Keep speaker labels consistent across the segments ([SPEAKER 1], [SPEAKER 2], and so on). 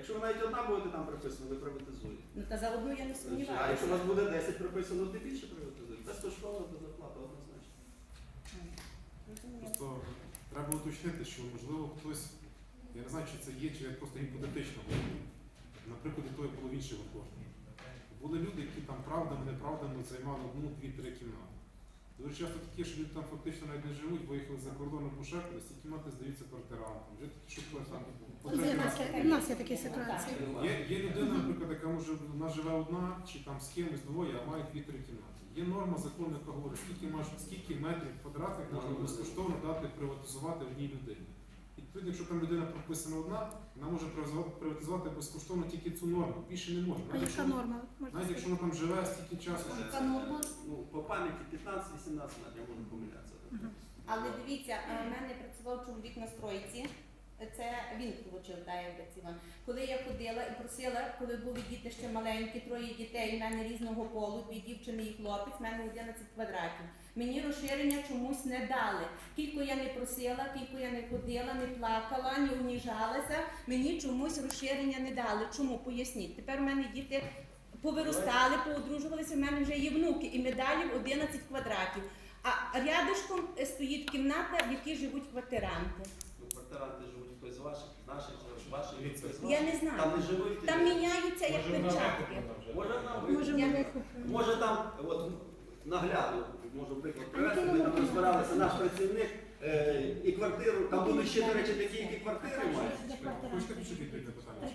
[SPEAKER 1] Якщо ви навіть одна будете там приписано, ви приватизуєте.
[SPEAKER 2] Ну та за одну я не
[SPEAKER 1] А
[SPEAKER 2] сумніваюся.
[SPEAKER 1] якщо у вас буде 10 приписано, то більше приватизуєте. Безкоштовно до зарплати, однозначно.
[SPEAKER 3] Просто треба уточнити, що можливо хтось, я не знаю, чи це є, чи просто гіпотетично, наприклад, і тої половинчої кожного. Були люди, які там правдами-неправдами займали одну, дві, три кімнати. Дуже часто такі, що люди там фактично навіть не живуть, виїхали за кордоном по шефу, ці кімнати здаються квартирантам. Вже такі, що там
[SPEAKER 4] У нас є такі ситуації.
[SPEAKER 3] Є людина, наприклад, яка може, вона живе одна, чи там з кимось двоє, а має 2-3 кімнати. Є норма закону, яка говорить, скільки метрів квадратних можна безкоштовно дати приватизувати одній людині. І тоді, якщо там людина прописана одна, вона може приватизувати безкоштовно тільки цю норму, більше не може.
[SPEAKER 4] А яка норма?
[SPEAKER 3] Навіть якщо вона там живе стільки часу.
[SPEAKER 2] Яка норма?
[SPEAKER 1] Ну, по пам'яті 15-18 метрів, я можу помилятися.
[SPEAKER 2] Але дивіться, в мене працював чоловік на стройці. Це він отримав, коли я ходила і просила, коли були діти ще маленькі, 3 дітей, в мене різного полу, 2 дівчини і хлопець, в мене 11 квадратів. Мені розширення чомусь не дали. Кілько я не просила, кілько я не ходила, не плакала, не уніжалася, мені чомусь розширення не дали. Чому? Поясніть. Тепер в мене діти повиростали, поодружувалися, в мене вже є внуки і медалів 11 квадратів. А рядышком стоїть кімната, в якій живуть квартиранти.
[SPEAKER 1] Квартиранти живуть хтось з ваших, наших, ваших, хтось з ваших.
[SPEAKER 2] Я не знаю.
[SPEAKER 1] Там не живуть.
[SPEAKER 2] Там міняються як перчатки.
[SPEAKER 1] Може там, от наглядно, можу приклад привести, ми там розбиралися, наш працівник і квартиру, там будуть ще, до речі, такі, які квартири мають.
[SPEAKER 3] Хочете почути відповідь на питання?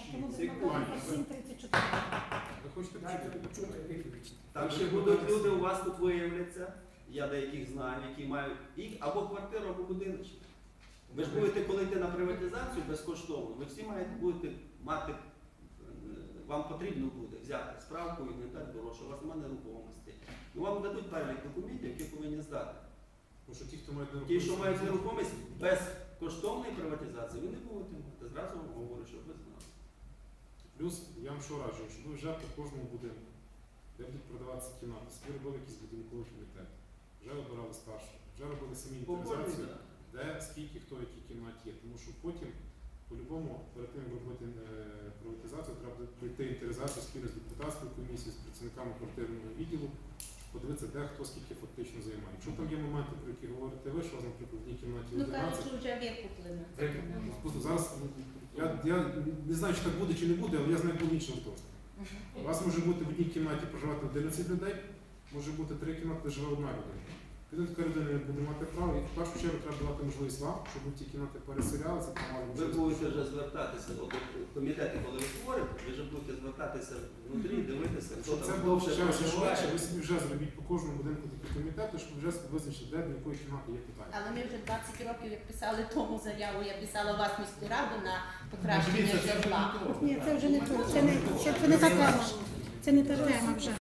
[SPEAKER 4] 34.
[SPEAKER 3] Ви хочете почути відповідь?
[SPEAKER 1] Там ще будуть люди, у вас тут виявляться, я деяких знаю, які мають або квартиру, або будиночок. Ви ж будете, коли йти на приватизацію безкоштовно, ви всі будете мати, вам потрібно буде взяти справку і не так дорожче, у вас немає нерухомості. Ну, вам дадуть перелік документів, які повинні здати.
[SPEAKER 3] Тому що ті,
[SPEAKER 1] ті, що мають нерухомість, без коштовної приватизації, ви не будете мати. Зразу вам говорю, щоб ви знали.
[SPEAKER 3] Плюс, я вам що раджу, щоб ви вже по кожному будинку, де будуть продаватися кімнати, собі робили якийсь будинковий комітет, вже обирали старших, вже робили самі інвентаризацію, де скільки, хто в якій кімнаті є. Тому що потім, по-любому, перед тим, як робити приватизацію, треба пройти інвентаризацію спільно з депутатською комісією, з працівниками квартирного відділу, подивитися, де хто скільки фактично займає. Якщо там є моменти, про які говорите ви, що, наприклад, в одній кімнаті 11...
[SPEAKER 2] Ну, кажуть, що вже вік куплено.
[SPEAKER 3] Просто зараз, я не знаю, чи так буде, чи не буде, але я знаю клінічну точно. У вас може бути в одній кімнаті проживати 11 людей, може бути 3 кімнати, де живе одна людина. Тоді така людина не буде мати право, і в першу чергу треба давати можливість вам, щоб ті кімнати переселялися.
[SPEAKER 1] Ви будете вже звертатися, от комітети, коли ви створите, ви вже будете звертатися внутрі, дивитися, хто
[SPEAKER 3] щоб це
[SPEAKER 1] там
[SPEAKER 3] було
[SPEAKER 1] довше
[SPEAKER 3] ще
[SPEAKER 1] проживає.
[SPEAKER 3] швидше, ви собі вже зробіть по кожному будинку такі комітети, щоб вже визначити, де до якої кімнати є питання.
[SPEAKER 2] Але ми вже 20 років, як писали тому заяву, я писала вас міську раду на покращення житла.
[SPEAKER 4] Ні, це вже не то. Це не та тема. Це не та тема вже.